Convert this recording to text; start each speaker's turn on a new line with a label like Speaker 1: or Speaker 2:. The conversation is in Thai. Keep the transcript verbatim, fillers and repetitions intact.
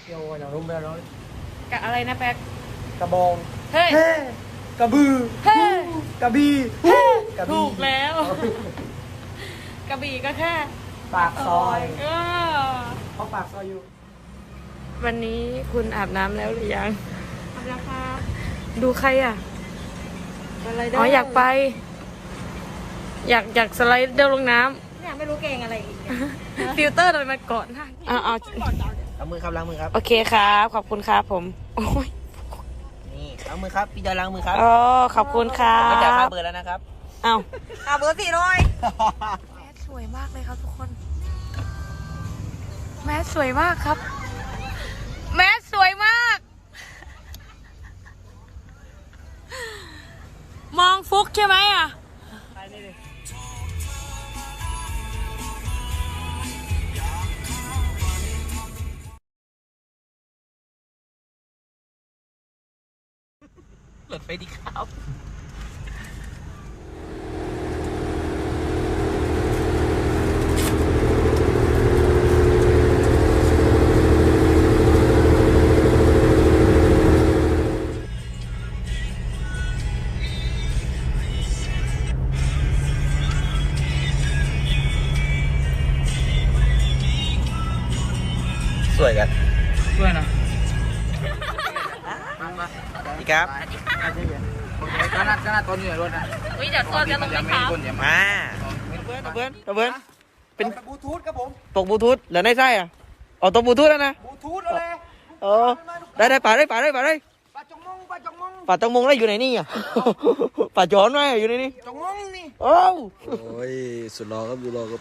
Speaker 1: โยนอย่างรุ่มไปแล้ว
Speaker 2: กะอะไรนะแป๊ก
Speaker 1: กระบอง
Speaker 2: เฮ้ย
Speaker 1: เฮ้กระบือ
Speaker 2: เฮ้
Speaker 1: กระบี่กระบี่
Speaker 2: ถูกแล้ว กระบี่ก็แค่
Speaker 1: ปากซอย
Speaker 2: เออ
Speaker 1: เขาปากซอยอยู่
Speaker 2: วันนี้คุณอาบน้ำแล้วหรือยัง
Speaker 3: ทำราคา
Speaker 2: ดูใครอ่ะ
Speaker 3: อะไร
Speaker 2: อ๋ออยากไป อยากอยากสไลด์เดินลงน้
Speaker 3: เนี่ยไม่รู้เก่งอะไรอีกเนี่ย
Speaker 2: ำ ฟิลเตอร์ทำไมมันก่อนหน้าอ่าเอา
Speaker 1: ล้างมือครับล้างมือครับ
Speaker 2: โอเคครับ ขอบคุณครับผม โอ้ย
Speaker 1: นี่ล้างมือครับพี่จอยล้างมือครับ
Speaker 2: อ๋อขอบคุณครั
Speaker 1: ไม่จ่ายค่า
Speaker 2: บ
Speaker 1: เบอร์แล้วนะครับ
Speaker 2: เอ้า
Speaker 3: อ่ะเบอร์สี่ร้อย
Speaker 2: แมสสวยมากเลยครับทุกคน แมสสวยมากครับ แมสสวยมาก มองฟุกใช่ไหมอ่ะ
Speaker 1: หลดไปดีครับ สวยกันสวยนะดีครับก็น่าก็น่าต้นอยู่ในรถนะ
Speaker 2: วิจัดตัวจะลงไหมครับ
Speaker 1: มาเพื่อนเพื่อนเพื่อนเป็น
Speaker 4: บลูทูธครับผม
Speaker 1: ตกบลูทูธแล้วในไส้อ่ะอ๋อตกบลูทูธแล้วนะ
Speaker 4: บลูทูธอะไร
Speaker 1: เออได้ได้ป่าได้ป่าได้ป่าได้
Speaker 4: ปลาจงมงปลาจงมง
Speaker 1: ป่าตังมงได้อยู่ไหนนี่อ่ะ ป่าจอนไหมอยู่ในนี่
Speaker 4: จงมงนี่
Speaker 1: โอ้
Speaker 5: โอ้ย สุดรอครับสุดรอครับ